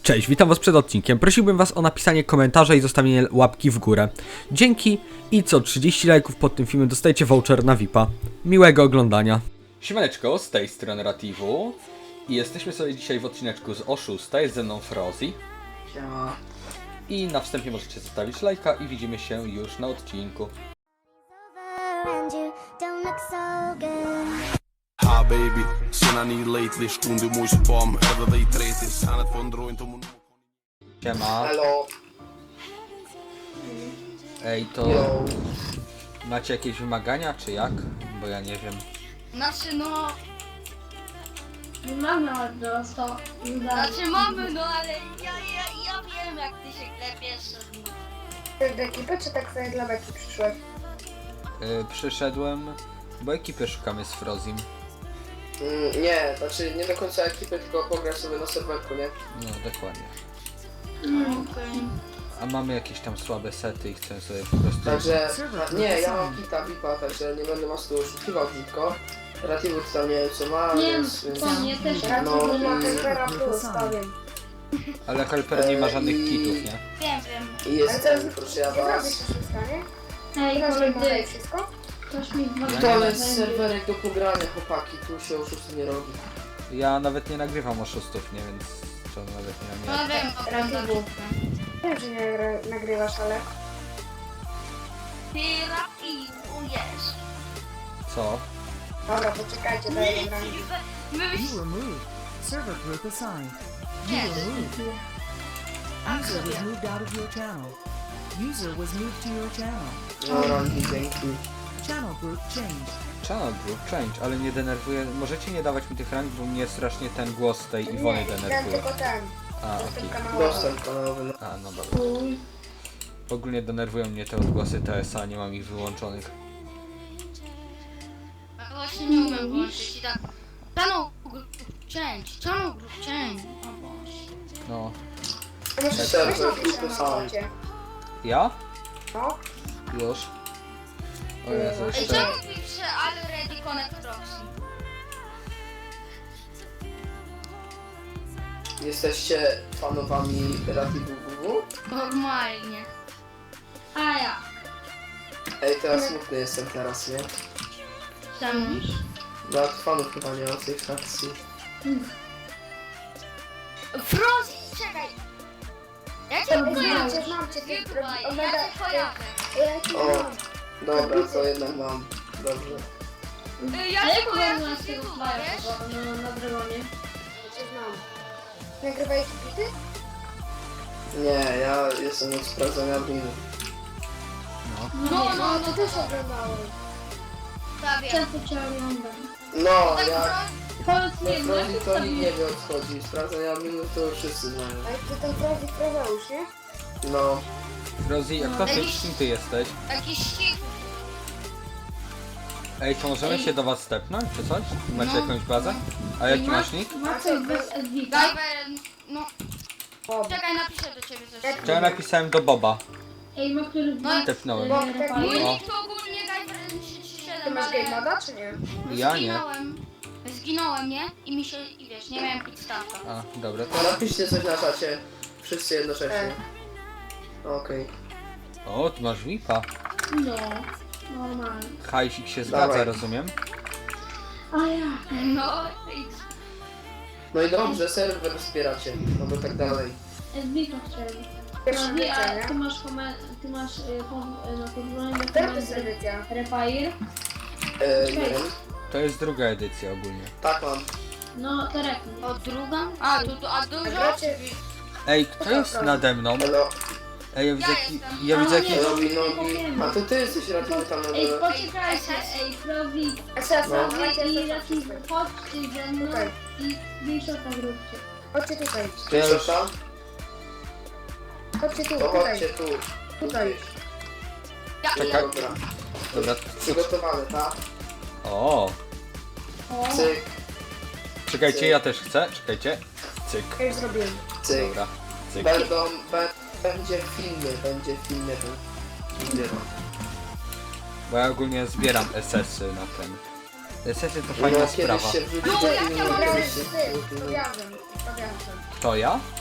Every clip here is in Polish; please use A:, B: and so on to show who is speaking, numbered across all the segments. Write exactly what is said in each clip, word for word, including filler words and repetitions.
A: Cześć, witam was przed odcinkiem. Prosiłbym was o napisanie komentarza i zostawienie łapki w górę. Dzięki i co trzydzieści lajków pod tym filmem dostajecie voucher na V I P-a. Miłego oglądania. Siemaneczko, z tej strony Rativu. I jesteśmy sobie dzisiaj w odcineczku z Oszusta. Jest ze mną Frozi.
B: Siema.
A: I na wstępie możecie zostawić lajka i widzimy się już na odcinku.
C: Ha baby, sen I need lately Stundu mój spam, över dig trettio Sannet på en dro inte mun.
A: Siema.
B: Halo.
A: Ej, to
B: Yo.
A: macie jakieś wymagania, czy jak? Bo ja nie wiem.
D: Znaczy no,
E: Nie mamy od sto.
D: znaczy mamy, no ale ja, ja, ja wiem jak ty się klepiesz.
E: Ty do ekipy, czy tak sobie dla beki przyszłeś?
A: Yy, przyszedłem, bo ekipy szukamy z Frozim.
B: Mm, nie, znaczy nie do końca ekipy, tylko pograć sobie na serwerku, nie?
A: No, dokładnie.
D: Okej.
A: A mamy jakieś tam słabe sety i chcę sobie po prostu...
B: Także, nie, ja mam kita V I P-a, także nie będę was tu oszukiwał tylko. Rativu tam nie wiem co ma,
E: Nie,
B: więc... więc...
E: to nie też
B: No,
E: no,
B: i-
E: ma Helpera Plus, powiem.
A: Ale Helper nie ma żadnych
B: Eee,
A: kitów, nie?
D: Wiem, wiem.
B: I jest
E: Ale teraz
B: ten, proszę ja
E: nie zrobisz
B: was.
E: wszystko, nie?
D: Ej,
E: Teraz
D: koledzy,
E: wygląda wszystko?
D: ktoś mi dwa
B: To jest serwerek do pogrania, chłopaki, tu się oszusty nie robi.
A: Ja nawet nie nagrywam oszustów, nie? Więc to nawet nie mam
D: No
A: jak.
D: wiem, oglądam.
E: Wiem, że nie gra- nagrywasz, ale...
D: Ty rapidujesz.
A: Co?
E: Dobra, poczekajcie, daję gram.
D: My
F: You were moved. Server group assigned. You
D: Nie,
F: were moved.
D: tak
F: User was
D: sobie.
F: moved out of your channel. User was moved to your channel.
B: No rangi, dzięki.
F: Channel group changed.
A: Channel group change, ale nie denerwuje. Możecie nie dawać mi tych rank, bo mnie strasznie ten głos tej Iwony
E: Nie, ten
A: denerwuje.
E: tylko ten.
A: A,
E: Dostęp
A: okej.
E: kanałowy.
B: Dostęp kanałowy, no.
A: A, no dobra. Ogólnie denerwują mnie te odgłosy T S A, nie mam ich wyłączonych.
D: A właśnie nie umiem włączyć i tak. Channel group change, channel group change. O Boże.
A: No.
E: To może
B: Serwer
E: weź napisz
B: Plus
E: na
B: assigned.
E: czacie.
A: Ja?
E: No.
A: Już. O Jezu,
D: Ej,
A: jeszcze...
D: czemu pisze already connect proxy?
B: Jesteście fanowami Rativu W W?
D: Normalnie. A ja.
B: Ej, teraz smutny jestem teraz, nie?
D: Czemu?
B: Nawet fanów chyba nie ma w tej frakcji.
D: Frozi, czekaj! Ja cię
E: Znam
D: kojarzę.
E: cię, znam cię, ty
D: YouTube'a, ja
E: ogląda...
D: cię kojarzę.
E: Ja cię
B: O.
E: znam.
B: Dobra, to jednak mam. Dobrze.
D: Y, Ja cię kojarzę z YouTube'a, wiesz?
E: No, na drogonie. Ja cię znam. Nagrywałeś bity?
B: Nie, ja jestem od sprawdzania adminu.
A: No.
D: No, no,
E: No,
D: no,
E: to też oglądałem.
D: prawie.
E: Często cię oglądam.
B: No,
D: Tak,
B: ja...
E: Powiedz
B: Jak Frozi to nikt nie wie o co chodzi. Sprawdzania adminu to wszyscy znają.
E: Ale ty tam prawie Frozeusz, nie?
B: No.
A: Rozi, a kto ty, kim ty jesteś?
D: Jakiś ścig.
A: Ej, to możemy się do was stepnąć, czy coś? Macie
D: No.
A: jakąś bazę? A jaki masz nick?
E: Ma coś bez Edwika?
D: Diver, no. Czekaj, napiszę do ciebie coś.
A: To ja napisałem do Boba.
E: Ej, ma który
D: No,
A: Stepnąłem.
E: Bo
D: mój
E: tak
A: No.
D: nick to ogólnie Diver trzydzieści
E: Ty
D: siedem,
E: masz game
D: ale
E: moda, czy nie?
A: Ja nie.
D: zginąłem. Zginąłem, nie? I mi się, i wiesz, nie miałem pitstaffa.
A: A, dobra, to...
B: Napiszcie coś na czacie. Wszyscy jednocześnie.
E: E.
B: Okej.
A: O, tu masz V I P-a.
E: No, normalnie.
A: Hajsik się zgadza,
B: Dawaj.
A: rozumiem?
E: A ja.
D: No, i
B: No i dobrze, serwer wspieracie. No bo tak dalej.
E: Edwika chciałem. Pierwsza
G: No,
E: edycja,
G: a
E: nie?
G: ty masz, komen- ty masz y, kon- y, na podwórzu
E: Która to jest edycja?
G: Repair.
B: E, nie wiem.
A: To jest druga edycja ogólnie.
B: Tak mam.
G: No to repnij.
D: o druga? A, tu, tu, a dużo?
E: Gracie?
A: Ej, kto jest nade mną?
B: Elo.
A: Ej, ja widzę,
D: Ja
A: jaki,
D: jestem.
A: ja widzę
G: A,
A: jakiś...
G: nie.
B: Robi nogi. A to ty jesteś Rativu tam na
G: Ej,
B: dole.
G: poczekajcie, ej, Prowi,
E: Esa,
B: No.
E: no.
G: i Rafi, chodźcie ze mną
E: Tutaj.
G: i Bishop'a zróbcie.
E: Chodźcie tutaj.
A: To ja już...
B: tam?
E: Chodźcie tu,
B: To
E: tutaj.
B: chodźcie tu.
E: Tutaj.
A: Czekaj.
B: Dobra.
A: Dobra,
B: Przygotowane, tak?
A: o,
G: O,
B: Cyk,
A: czekajcie, ja też chcę, czekajcie. Cyk,
E: Ja już zrobiłem.
B: cyk.
A: dobra, cyk.
B: Będą, be, będzie filmy, będzie filmy. Będzie.
A: Bo ja ogólnie zbieram S S-y na ten. S S-y to fajna
B: No
A: sprawa.
B: kiedyś się wrzuci
D: No,
B: do
D: jak ja
B: filmu,
D: mam
B: kiedyś
E: Grałeś
B: się
E: z tym,
B: wrzuci.
E: z Fabianem. z Fabianem.
A: To ja?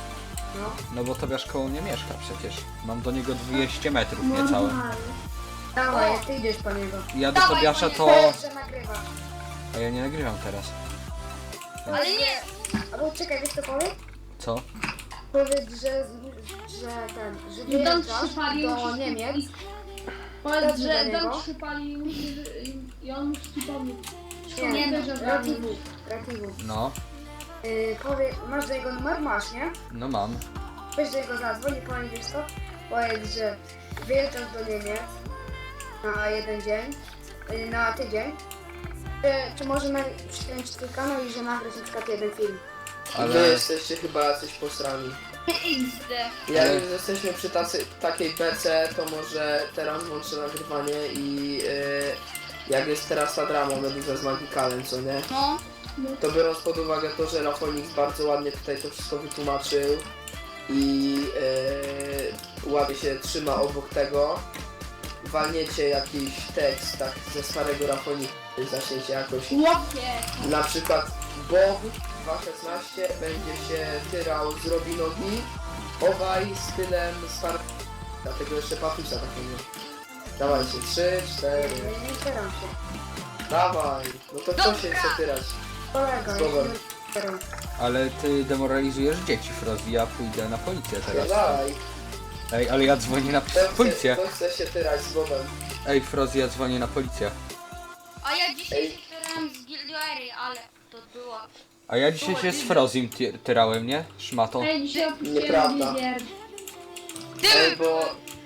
E: No.
A: No bo Tobiasz koło mnie mieszka przecież. Mam do niego dwieście metrów niecałe.
G: Normalnie.
E: Dawaj, ty idziesz po niego.
A: Ja do
D: Dawaj,
A: Tobiasza
D: panie.
A: to...
E: Powiedz, że nagrywa.
A: A ja nie nagrywam teraz.
D: Ale nie!
E: Albo czekaj, wiesz co powiedz?
A: Co?
E: Powiedz, że, że ten, że
G: I Don
E: wyjeżdżasz
G: przypalił
E: do
G: już-
E: Niemiec.
G: Powiedz,
E: Dobrze
G: że
E: do niego.
G: Don przypalił i, i on musi ci pomóc.
E: Nie,
G: Nie,
E: nie,
G: że
E: Ratiwu. Ratiwu.
A: No,
E: Yy, powiedz, masz do jego numer? Masz, nie?
A: no mam.
E: Weź do jego zadzwoń i powiedz, wiesz co? Powiedz, że wyjeżdżasz do Niemiec na jeden dzień, yy, na tydzień. Czy, czy może na, przykręcić twój kanał i że nagrać na przykład jeden film.
B: Ale... Wy jesteście chyba jacyś posrani.
D: X D.
B: Jak
A: Ale-
B: już jesteśmy przy tacy, takiej bece, to może teraz włączę nagrywanie i yy, jak jest teraz ta drama Meduza z Magikalem, co nie?
D: No.
B: To biorąc pod uwagę to, że Rafonix bardzo ładnie tutaj to wszystko wytłumaczył i yy, ładnie się trzyma obok tego, walniecie jakiś tekst tak ze starego Rafonika, zaczniecie jakoś,
G: Łopie!
B: na przykład Bob dwa szesnaście będzie się tyrał z Robinogi, obaj stylem starego, dlatego jeszcze Patusa takiego. Dawajcie, trzy, cztery,
E: Nie, nie staram się.
B: dawaj, no to kto się chce tyrać?
E: Kolega,
B: Słowem.
E: nie staram.
A: Ale ty demoralizujesz dzieci, Frozi, ja pójdę na policję teraz.
B: Dawaj,
A: Ej, ale ja dzwonię na
B: kto chce,
A: policję.
B: kto chce się tyrać z Bobem?
A: Ej, Frozi, ja dzwonię na policję.
D: A ja dzisiaj
B: Ej.
D: się tyrałem z Gilduery, ale to było...
A: A ja dzisiaj się z Frozim ty- tyrałem, nie? Szmato.
G: Ej, dzisiaj opuściłem
B: Nieprawda.
G: gier.
B: Ej, bo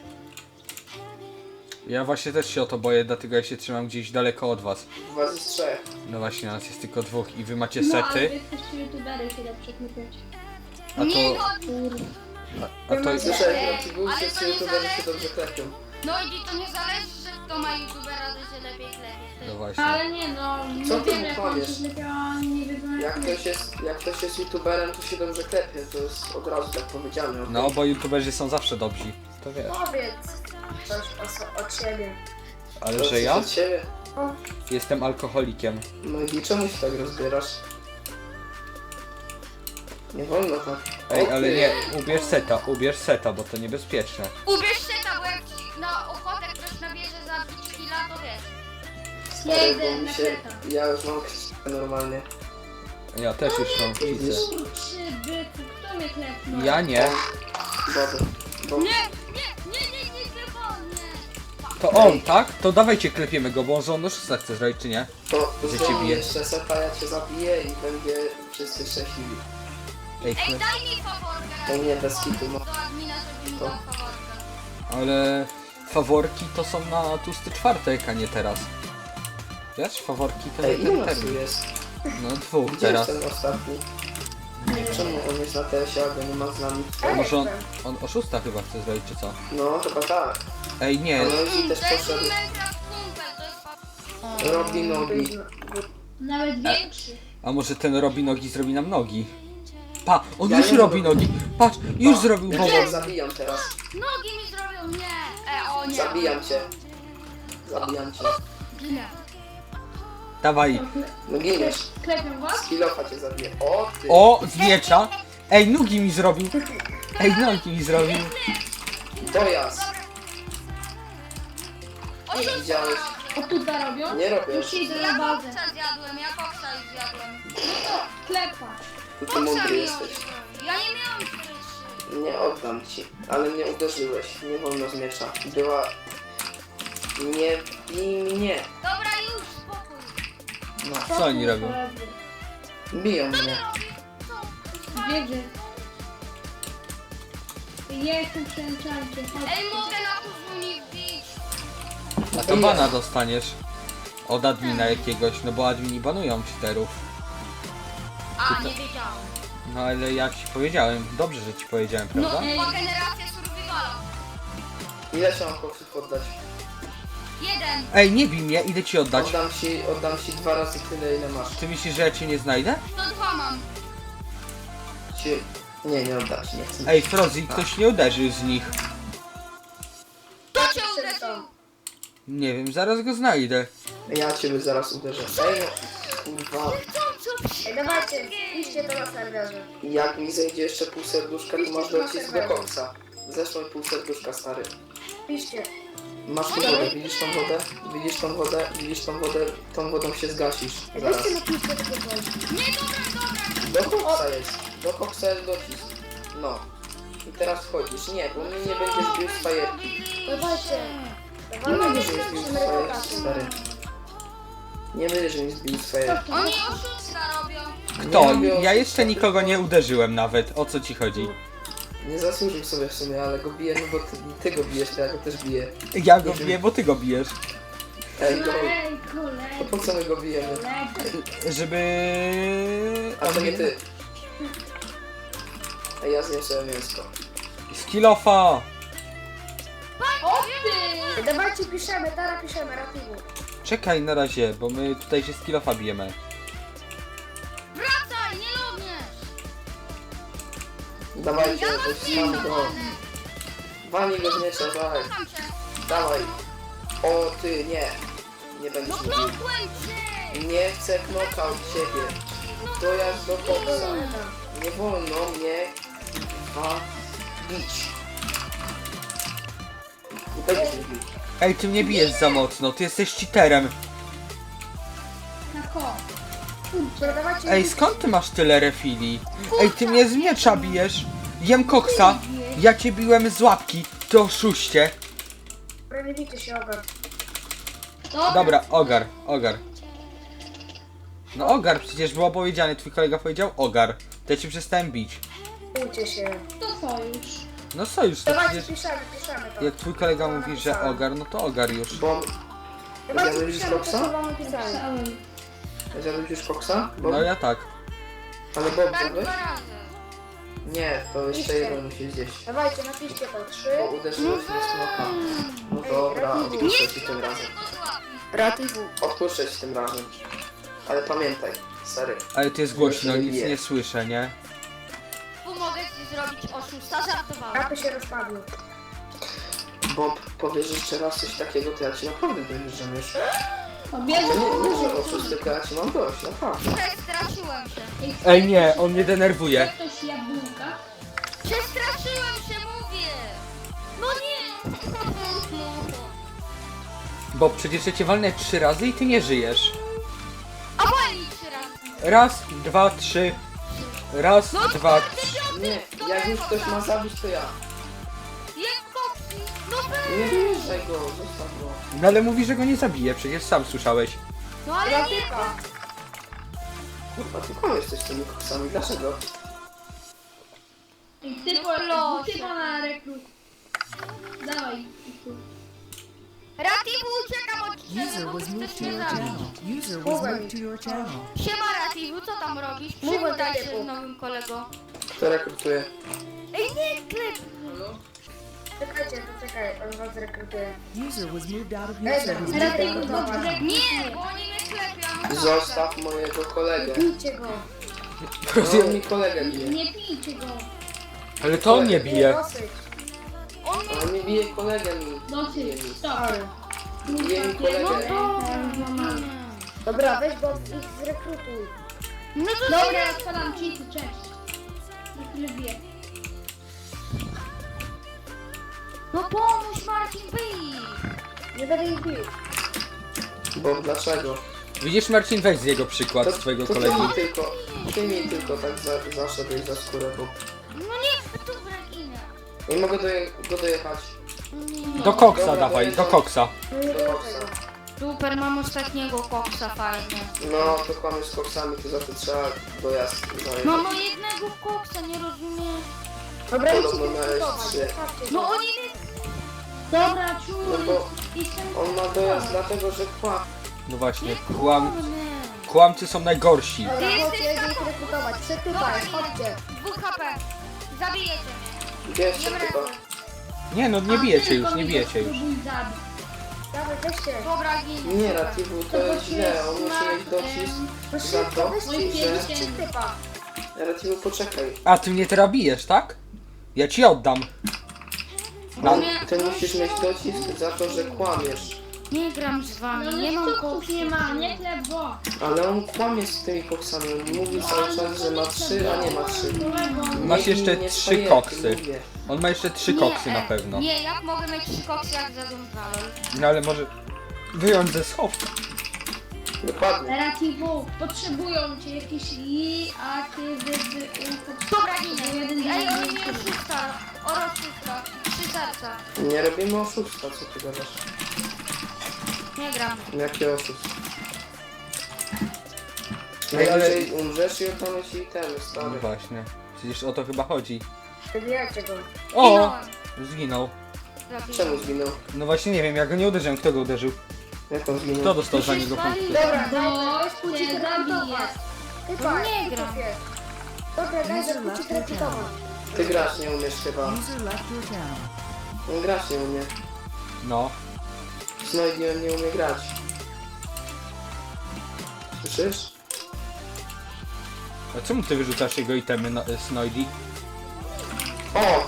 A: Ja właśnie też się o to boję, dlatego ja się trzymam gdzieś daleko od was.
B: was jest trzech.
A: No właśnie, nas jest tylko dwóch i wy macie
G: No, ale
A: sety,
G: wy jesteście youtubery, się da przekrypiać.
A: a
D: Nie
A: to...
D: chodzi.
G: Kurde.
A: A, a to
B: Słyszałem,
D: Ej,
B: że ci był
D: ale
B: wszyscy
D: to nie
B: youtuberzy się
D: zależy.
B: dobrze klepią.
D: No i to nie zależy, że kto ma youtubera, to się lepiej klepi.
A: no właśnie.
G: Ale nie no,
B: Co
G: nie
B: ty
G: wiem
B: mu
G: jak on
B: powiesz?
G: się zlepiał, a oni nie wiedzą
B: Jak
G: jak
B: ktoś jest, jak ktoś jest youtuberem, to się dobrze klepie, to jest od razu tak powiedziane. okej?
A: No, bo youtuberzy są zawsze dobrzy. To wiesz.
E: Powiedz coś o, so- od siebie.
A: Ale
B: To
A: że
B: coś
A: ja
B: od siebie.
A: jestem alkoholikiem.
B: No i czemu się tak rozbierasz? Nie wolno tak.
A: Ej,
B: O
A: ale
B: ty.
A: nie, ubierz seta, ubierz seta, bo to niebezpieczne.
D: Ubierz seta, bo jak ci na ochotę ktoś nabierze za pięć kila, to wiesz.
G: Ja
B: Ej,
G: idę
B: bo mi
G: na
B: się,
G: seta.
B: ja już mam krzyżkę normalnie.
A: Ja też już mam widzę.
G: Kurczy byku, kto mnie klepnął?
A: Ja nie.
B: Boby. Bo
D: Nie, nie, nie, nie, nie, nie, nie.
A: To on, tak? To dawajcie klepiemy go, bo on za szósta chce zrobić, czy nie?
B: to
A: Że cię
B: zrób
A: bije.
B: jeszcze seta, ja cię zabiję i będzie wszyscy szczęśliwi.
A: Ej,
D: Ej,
A: chle-
D: daj mi faworkę.
B: To nie bez kitu, no.
D: Do admina, żeby mi
B: To.
D: dał faworkę.
A: ale faworki to są na tłusty czwartek, a nie teraz. Wiesz, faworki to
B: Ej,
A: nie
B: ile
A: ten
B: nas tu
A: termin.
B: jest?
A: No dwóch
B: Gdzie
A: teraz.
B: jest ten ostatni? Czemu on jest na tesie, a go nie ma z nami?
A: A może on, on o szósta chyba chce zrobić, czy co?
B: No, chyba tak.
A: Ej, nie.
B: Ale i też
D: To jest
B: poszedł.
D: mój Minecraft kumpel, to jest fa...
B: Robi nogi.
G: Nawet większy.
A: A może ten robi nogi, zrobi nam nogi? Pa, on
B: Ja
A: już
B: nie
A: robi
B: mogę.
A: nogi. Patrz, już
B: Pa,
A: zrobił
B: ja
A: pomoc.
B: cię zabijam teraz.
D: Nogi mi zrobią, nie. E, o nie.
B: Zabijam cię. Zabijam cię.
D: Ginę.
A: Dawaj.
B: No giniesz.
G: Klepią was?
B: Z kilofa cię zabiję. O ty.
A: O, z miecza. Ej, nogi mi zrobił. Ej, nogi mi zrobił.
B: Dojazd.
D: O,
B: Nie
D: co
B: widziałeś.
G: O tutaj robią?
B: Nie robię.
G: Już idę
D: Ja
G: na bazę.
D: koksa zjadłem, ja koksa już zjadłem.
G: Klepa.
B: Ty tu
D: Koksa
B: mądry
D: mi
B: jesteś.
D: odjął. Ja nie miałam trzy.
B: Nie oddam ci. Ale mnie uderzyłeś. Nie wolno z miecza. Była... Nie bij mnie.
D: Dobra, już, spokój.
A: No, co oni robią?
B: Biją mnie.
G: Wiedzy. Ja jestem przy enchancie.
D: Ej, mogę na kuchni wbić.
A: A to bana dostaniesz. Od admina jakiegoś, no bo admini banują cheaterów.
D: A, nie wiedziałam.
A: No ale ja ci powiedziałem, dobrze, że ci powiedziałem,
D: No,
A: prawda?
D: była generacja survivala.
B: Ile się mam koksów oddać?
D: Jeden.
A: Ej, nie bij mnie, idę ci oddać.
B: Oddam ci, oddam ci dwa razy tyle, ile masz.
A: Ty myślisz, że ja cię nie znajdę?
D: To dwa mam.
B: Ci... Nie, nie oddam ci, nie chcę.
A: Ej, Frozi, ktoś nie uderzył z nich.
D: Kto cię uderzył?
A: Nie wiem, zaraz go znajdę.
B: Ja ciebie zaraz uderzę. Ej no, kurwa.
D: Co, co
E: Ej, dawajcie, piszcie to na serwerze.
B: Jak mi zejdzie jeszcze pół serduszka, to masz docisk do koksa. Zeszło mi pół serduszka, stary.
E: Piszcie.
B: Masz tu wodę, widzisz tą wodę? Widzisz tą wodę? Widzisz tą wodę? Tą wodą się zgasisz. Zaraz.
E: Weźcie napiszcie tylko coś.
D: Nie, dobra, dobra.
B: Do koksa jest. Do koksa jest docisk. No. I teraz wchodzisz. Nie, bo mnie nie będziesz bił z fajerki.
E: Dawajcie.
B: Nie
E: Dawajcie,
B: będziesz mnie zbił z
E: musimy
B: fajerki,
E: reputację.
B: stary. Nie będziesz mnie zbił z fajerki.
D: Oni oszustwa robią.
A: Kto?
B: Nie lubię
A: Ja jeszcze
B: oszustwa,
A: nikogo
B: tylko-
A: nie uderzyłem nawet. O co ci chodzi?
B: Nie zasłużył sobie w sumie, ale go biję, no bo ty, ty go bijesz, to ja go też biję.
A: Ja go biję, bo ty go bijesz.
B: Ej, go,
G: Ej,
B: to
G: kolega,
B: po co my go bijemy?
A: Żeby...
B: A to nie ty. Ej, ja zjem sobie mięsko.
A: Skillofa!
G: O ty!
E: Ej, dawajcie, piszemy, teraz piszemy, rativu.
A: Czekaj na razie, bo my tutaj się skillofa bijemy.
D: Wracaj, nie lubisz.
B: Dawajcie,
D: Ja
B: to
D: mam
B: jest
D: film,
B: sam go. Walnij go z miecza, dawaj.
D: Kocham cię.
B: Dawaj. O ty, nie. Nie
D: No
B: będziesz mówił.
D: knokłem cię.
B: Nie chcę knockout ciebie. Dojazd do koksa. Nie wolno mnie a, bić. Nie będziesz mnie bić.
A: Ej, ty mnie bijesz za mocno, ty jesteś cheaterem.
G: Na ko.
E: Kurczę, dawajcie.
A: Ej, skąd ty masz tyle refili? Ej, ty mnie z miecza bijesz. Jem koksa. Ja cię biłem z łapki, ty oszuście.
E: Dobra, nie bijcie się, ogar.
A: Dobra, ogar, ogar. No ogar, przecież było powiedziane, twój kolega powiedział ogar. To ja cię przestałem bić.
E: Bójcie się.
G: To sojusz.
A: No sojusz, to
E: Dawajcie,
A: przecież...
E: piszemy, piszemy to.
A: Jak twój kolega mówi, że ogar, no to ogar już.
B: Bo...
E: Dawajcie,
B: Będziemy już
E: piszemy to, co
B: koksa?
E: wam pisałem.
G: Cały.
B: Zjadłeś już koksa? Bo...
A: No ja tak.
B: Ale Bob
D: Tak
B: zjadłeś?
D: dwa razy.
B: Nie, to jeszcze
E: Piszcie.
B: jeden musi zjeść.
E: Dawajcie, napiszcie to. Trzy.
B: Bo uderzyłeś mnie smoka. No dobra, odpuszczę ci tym razem.
E: Rativu.
B: Odpuszczę ci tym razem. Ale pamiętaj, sery.
A: Ale to jest głośno, nic
B: Nie.
A: nie słyszę, nie?
D: Tu mogę ci zrobić oszusta, żartowałem.
E: Rapy się rozpadły.
B: Bob, powiesz jeszcze raz coś takiego, to ja ci naprawdę dojeżdżam już.
G: Obierz.
B: To nie, nie, że oszust, tylko ja ci mam dość, naprawdę.
D: Przestraszyłem się.
A: Ej nie, on mnie denerwuje.
G: Ktoś jabłka.
D: Przestraszyłem się, mówię. No nie.
A: Bo przecież ja cię walnę trzy razy i ty nie żyjesz.
D: A wali trzy razy.
A: Raz, dwa, trzy. Raz,
D: No
A: dwa,
D: czwarty,
A: trzy.
D: piąty,
B: Nie,
D: to
B: jak już
D: ja
B: ktoś ma zabić, to ja.
D: Jak koksy. No wy.
B: Nie wyjeżdżaj go, zostaw go.
A: No ale mówi, że go nie zabije, przecież sam słyszałeś.
D: No ale nie.
E: Ratyka.
B: Kurwa, ty koniec jesteś z tymi koksami, dlaczego?
G: I ty
D: No
G: po,
D: proszę.
G: ty po na rekrut. Dawaj.
D: Rativu, uciekam od ciebie,
F: User
D: bo
F: was moved
D: chcesz
F: to
D: mnie
F: your
D: zabić.
F: channel. User was moved to your channel.
D: Siema Rativu, co tam robisz?
E: Mów o
D: Przywitaj się
E: Rativu.
D: z nowym kolegą.
B: Kto rekrutuje?
D: Ej, nie klep.
E: Czekajcie, to czekaj, on was rekrutuje.
F: User was moved out of your
E: Ej,
F: channel.
G: Rativu,
E: Dobra.
G: dobrze.
D: Nie, bo oni mnie klepią.
B: Zostaw mojego kolegę.
E: Bijcie go.
B: No, on mi kolegę bije.
G: Nie pijcie go.
A: Ale to on nie bije.
E: Dosyć.
D: On mnie...
B: On mi bije kolegę mi. Bije
G: Dosyć.
B: mi.
G: Stop.
B: Bije mi kolegę.
E: Dobra, weź go ich zrekrutuj.
D: No to
G: Dobra, odpalam cheaty, cześć. Niech tyle wie.
D: No pomóż Marcin, bij.
E: Nie będę ich bił.
B: Bo dlaczego?
A: Widzisz Marcin, weź z jego przykład, z twojego
B: to ty
A: kolegi.
B: mi tylko, ty mi tylko tak za, zaszedłeś za skórę, bo
D: No nie, to brakina.
B: nie mogę doje, go dojechać.
A: Do koksa
B: Dobra,
A: dawaj,
B: to
A: do
B: jest-
A: koksa.
E: No nie
B: Do
E: było
B: koksa.
E: tego.
D: Super, mam ostatniego koksa fajnie.
B: No, to kłamiesz z koksami, to za to trzeba dojazd zajechać.
D: Mamo, jednego koksa, nie rozumiem.
E: Dobra, idźcie
B: Podobno miałeś
E: rekrutawać.
B: trzy.
E: Zostawcie
D: No
E: go.
D: oni mnie...
G: Dobra,
B: No
G: czuj.
B: bo
G: Jestem...
B: on ma dojazd dlatego, że kłam.
A: No właśnie,
D: Nie
A: kłam...
D: kłamę.
A: kłamcy są najgorsi.
E: Dobra,
D: Ty
E: chodźcie,
D: jesteś
E: jedę ich
D: taką-
E: rekrutować. Trzy
D: Dobra,
E: tutaj,
D: idę.
E: chodźcie.
D: Dwóch H P. Zabijecie mnie.
B: Gdzie jeszcze
D: Nie
B: tylko?
D: wracam.
A: Nie no, nie
G: A
A: bijecie
G: tylko
A: już, nie
G: mnie
A: bijecie już.
G: spróbuj zabić.
E: Dawaj, weźcie.
D: Dobra, ginę.
B: Nie,
D: super.
B: Rativu, to jest źle, on musi mieć docisk
E: No
B: za
E: szybko,
B: to,
E: weźcie
G: Oj,
E: ich.
B: że...
E: Jest trzy typa.
B: Rativu, poczekaj.
A: A ty mnie teraz bijesz, tak? Ja ci oddam.
B: No,
D: Nie,
B: ty
D: no
B: musisz
D: się
B: mieć docisk za to, że kłamiesz.
D: Nie gram z wami,
G: No
D: nie
G: nie
D: mam
G: koksów
D: koksów.
G: nie ma, nie chlebo.
B: Ale on kłamie z tymi koksami. On mówi cały czas, że ma trzy, a nie ma trzy.
G: Kolego.
A: Masz
B: Nie
A: jeszcze
B: bij mnie
A: trzy
B: swojej,
A: koksy.
B: mówię.
A: On ma jeszcze trzy
D: Nie,
A: koksy na
D: e,
A: pewno.
D: Nie, jak mogę mieć trzy koksy jak zaządzałem?
A: No ale może wyjąć ze schowka.
B: Dokładnie.
G: Relativu, potrzebują cię jakieś i, a ty, wy, wy,
D: Dobra,
G: potrzebują
D: ginę. Ej, oni mnie oszusta. Oro oszusta. Trzy serca.
B: Nie robimy oszustwa, co ty gadasz?
D: Nie gram.
B: Jakie oszustwo?
A: Ej, ale-
B: Najwyżej umrzesz i oddamy ci itemy,
A: No
B: stary.
A: właśnie. Przecież o to chyba chodzi.
E: Zabijajcie go.
A: O!
D: Ginąłem.
A: Zginął.
B: Czemu zginął?
A: No właśnie nie wiem, ja go nie uderzyłem. Kto go uderzył?
B: Jak on zginął?
A: Kto dostał za niego punkty?
E: Dobra,
G: Bo
E: daj spójrz
G: cię zabiję.
E: Chyba,
D: nie gram.
E: Dobra, daj zakucić recytować.
B: Ty grać nie umiesz chyba.
F: User left your channel.
B: On grać nie umie.
A: No.
B: Snoidiem nie umie grać. Słyszysz?
A: A czemu ty wyrzucasz jego itemy, no, Snoidy?
B: O!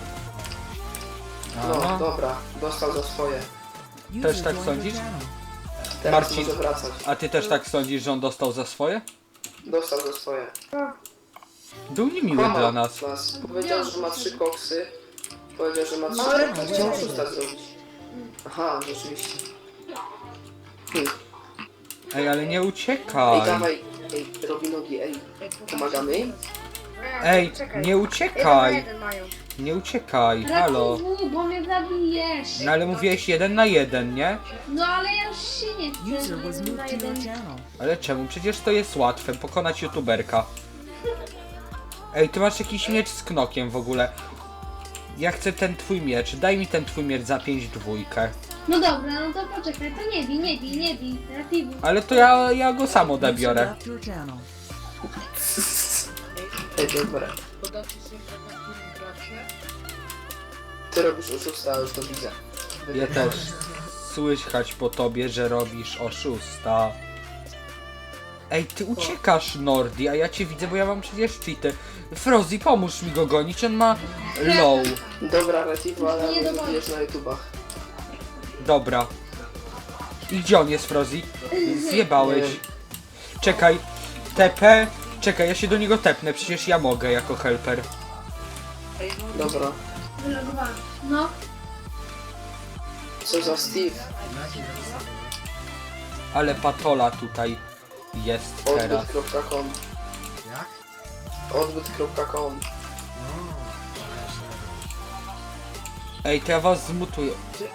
B: No,
A: Aha.
B: dobra. Dostał za swoje.
F: User
A: Też tak
F: joined your
A: sądzisz?
F: channel.
B: Teraz
A: Marcin.
B: może wracać.
A: A ty też tak sądzisz, że on dostał za swoje?
B: Dostał za swoje.
A: Był niemiły
B: Kłamał
A: dla nas.
B: nas. Powiedział, że ma trzy koksy. Powiedział, że ma trzy.
E: ale
B: No,
E: to
B: chciał
E: nie-
B: szósta zrobić. Aha, rzeczywiście. Hmm.
A: Ej, ale nie
B: Ej,
A: uciekaj.
B: dawaj. Ej, robi nogi, ej. Pomagamy im?
A: Ej,
E: Czekaj.
A: nie
E: Jeden na
A: uciekaj.
E: jeden mają.
A: Nie uciekaj, halo.
G: Relativu, bo mnie zabijesz.
A: No ale mówiłeś jeden na jeden, nie?
G: No ale ja już się nie chcę.
F: User was
G: jeden na
F: moved to your
G: jeden.
F: channel.
A: Ale czemu? Przecież to jest łatwe, pokonać youtuberka. Ej, ty masz jakiś miecz z knokiem w ogóle. Ja chcę ten twój miecz, daj mi ten twój miecz za pięć dwójkę.
G: No dobra, no to poczekaj, to nie bij, nie bij, nie bij. Relativu.
A: Ale to ja, ja go sam
F: User
A: odebiorę.
F: left your channel.
B: Ej, dobra. Ty robisz oszusta, już to widzę.
A: Ja też. Słychać po tobie, że robisz oszusta. Ej, ty uciekasz, Nordi, a ja cię widzę, bo ja mam przecież cheaty. Frozy, pomóż mi go gonić, on ma low.
B: Dobra, Retivo, ale
G: Nie
B: nie
G: dowolę.
B: zabijesz na YouTubach.
A: Dobra. I gdzie on jest, Frozy? Zjebałeś.
B: Nie wiem.
A: Czekaj. T P. Czekaj, ja się do niego tepnę, przecież ja mogę jako helper.
B: Dobra.
G: Wylogowałem. No,
B: Co za Steve?
A: Ale patola tutaj jest teraz.
B: Odbyt kropka com.
H: Jak?
B: Odbyt kropka com.
A: Ej, to ja was zmutuję.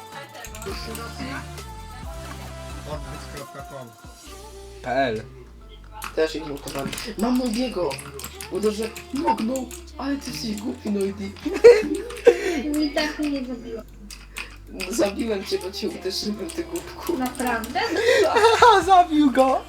H: Odbyt kropka com.
A: P L.
B: Też ich mutowałem. Mam Noidiego! Uderzę. Mognął! Ale ty jesteś głupi, Noidi.
G: i tak mnie nie zabiło.
B: Zabiłem cię, bo cię uderzyłem, ty głupku.
G: Naprawdę?
A: Haha, zabił go!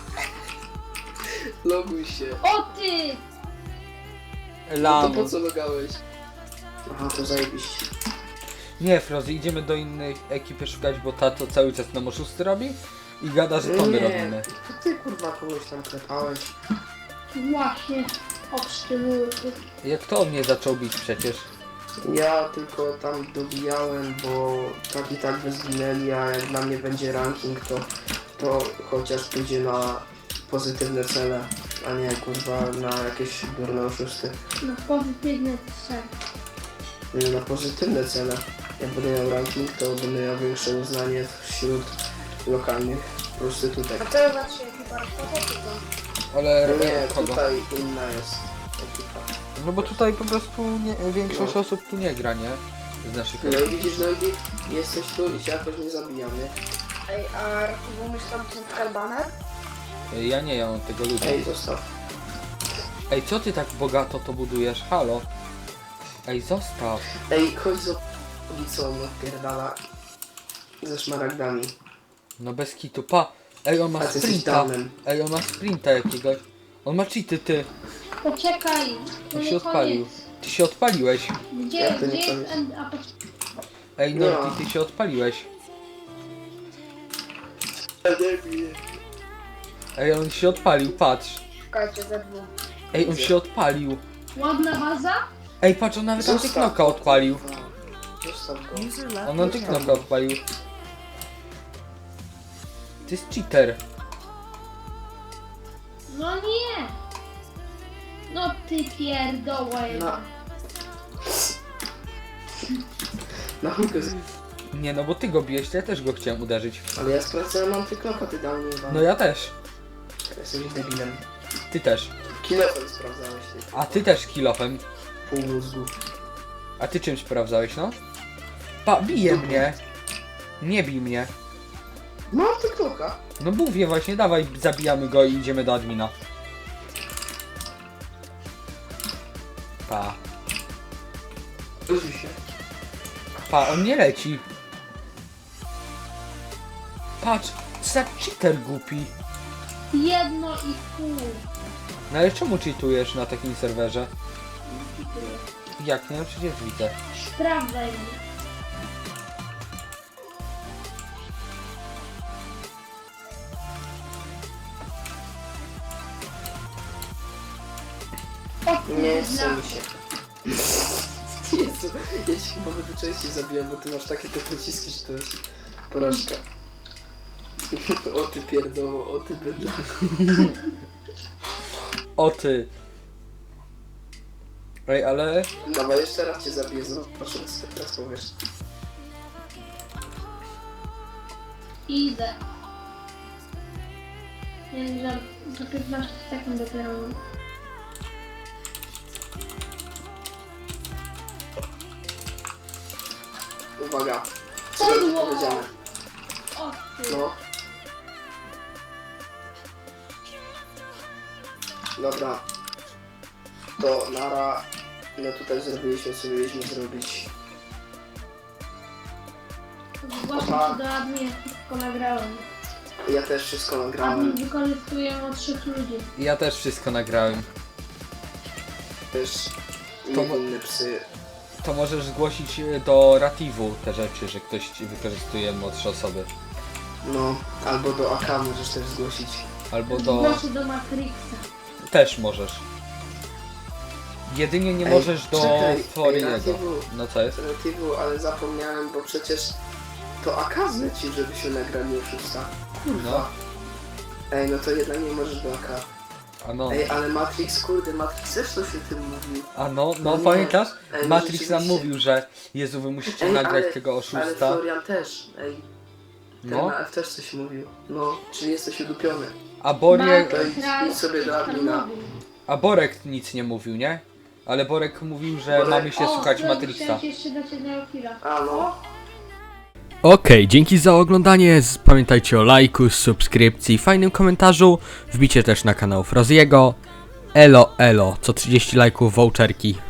B: Loguj się.
G: O ty!
B: No to
A: Lamus.
B: po co logałeś? Aha, to zajebiście.
A: Nie, Frozy, idziemy do innej ekipy szukać, bo ta to cały czas nam oszusty robi i gada, że to my
B: Nie,
A: robimy.
B: to ty kurwa kogoś tam klepałeś.
G: Właśnie. Obsztyliły.
A: Jak to on mnie zaczął bić przecież?
B: Ja tylko tam dobijałem, bo tak i tak by zginęli, a jak dla mnie będzie ranking, to, to chociaż pójdzie na pozytywne cele, a nie kurwa na jakieś durne oszusty.
G: No pozytywne trzy.
B: Nie, na pozytywne cele. Jak będę miał ranking, to będę miał większe uznanie wśród lokalnych prostytutek.
E: A co za trzy ekipa rozpoczęła?
A: Ale
B: No nie,
A: kogo?
B: tutaj inna jest ekipa.
A: No bo tutaj po prostu nie, większość
B: No.
A: osób tu nie gra, nie? Z naszych
B: No
A: ekip.
B: i widzisz, no i jesteś tu i cię jakoś nie zabijamy.
E: Ej, a Rakibu umiesz tam ten baner?
A: Ja nie, ja mam tego ludzi.
B: Ej, zostaw.
A: Ej, co ty tak bogato to budujesz? Halo? Ej, zostaw.
B: Ej, chodź z ulicą, no pierdala. Ze szmaragdami.
A: No bez kitu, pa. Ej, on ma
B: A ty jesteś
A: sprinta.
B: downem.
A: Ej, on ma sprinta jakiegoś. On ma cheaty, ty.
G: Poczekaj. To
A: On
G: nie
A: się odpalił.
G: koniec.
A: Ty się odpaliłeś.
G: Gdzie,
B: Ja to nie
G: gdzie jest
B: koniec.
G: end... A poczekaj.
A: Ej,
B: No.
A: no, ty, ty się odpaliłeś. Ej, on się odpalił, patrz.
E: Szukajcie ze dwóch.
A: Ej, on się odpalił.
G: Ładna baza?
A: Ej, patrz, on nawet antyknoka odpalił.
B: Zostaw go.
F: User left
A: On
F: your
A: antyknoka
F: channel.
A: odpalił. To jest cheater.
G: No nie! No ty pierdoła
B: No.
G: jedna.
B: Na chmurkę z...
A: Nie no, bo ty go bijesz, to ja też go chciałem uderzyć.
B: Ale ja sprawdzałem antykloka, ty dał mnie chyba.
A: No ja też.
B: Jesteś debilem.
A: Ty też.
B: Kilofem sprawdzałeś ty.
A: A ty też kilofem.
B: Pół mózgu.
A: A ty czym sprawdzałeś, no? Pa, bije mnie. Nie bij mnie.
B: Ma antykloka.
A: No mówię właśnie, dawaj, zabijamy go i idziemy do admina. Pa.
B: Użyj się.
A: Pa, on nie leci. Patrz, za cheater głupi.
G: Jedno i pół.
A: No ale czemu cheatujesz na takim serwerze? Jak nie? No przecież widzę.
G: Sprawdzaj mnie. O
B: Nie
G: kurwa.
B: chce mi się. Jezu, ja ci chyba będę częściej zabijam, bo ty masz takie te pociski, że to jest porażka. O ty pierdoło, o ty bydla.
A: O ty. Ej, ale...
B: Dawaj, jeszcze raz cię zabiję, proszę, teraz powiesz.
G: Idę. Nie wiem, za, za piętnaście sekund dopiero.
B: Uwaga, co będzie
G: Kurwa.
B: powiedziane?
G: O ty.
B: No. Dobra. To nara. No tutaj zrobiliśmy, co mieliśmy zrobić.
G: Zgłaszam
B: Opa.
G: się do admin, wszystko nagrałem.
B: Ja też wszystko nagrałem.
G: Admin wykorzystuję od trzech ludzi.
A: Ja też wszystko nagrałem.
B: Też
A: To mo-
B: niewinne psy.
A: To możesz zgłosić do Rativu te rzeczy, że ktoś ci wykorzystuje młodsze osoby.
B: No, albo do A K możesz też zgłosić.
A: Albo do...
G: Zgłoszę do Matrixa.
A: Też możesz. Jedynie nie
B: Ej,
A: możesz do
B: czekaj, ej,
A: Floriego.
B: Rativu.
A: No co jest?
B: Alternatywą, ale zapomniałem, bo przecież to A K zlecił, żebyśmy nagrali oszusta. Kurwa.
A: No.
B: Ej, no to jednak nie możesz do A K.
A: A no.
B: Ej, ale Matrix, kurde, Matrix też coś o tym mówił.
A: A no, no
B: Nie.
A: pamiętasz?
B: Ej, no
A: Matrix nam
B: rzeczywiście.
A: mówił, że Jezu, wy musicie
B: Ej,
A: nagrać
B: ale-
A: tego
B: Ale
A: oszusta.
B: Florian też, ej. Ten
A: No.
B: na F też coś mówił. No, czyli jesteś udupiony.
A: A Borie...
B: To idź- idź sobie do admina.
A: A Borek nic nie mówił, nie? Ale Borek mówił, że
B: Borek-
A: mamy się
G: O,
A: słuchać
G: chciałem
A: Matrixa.
G: jeszcze dać jednego killa.
B: A no.
A: Okej, dzięki za oglądanie. Z- Pamiętajcie o lajku, subskrypcji, fajnym komentarzu. Wbicie też na kanał Froziego. Elo, elo, co trzydzieści lajków voucherki.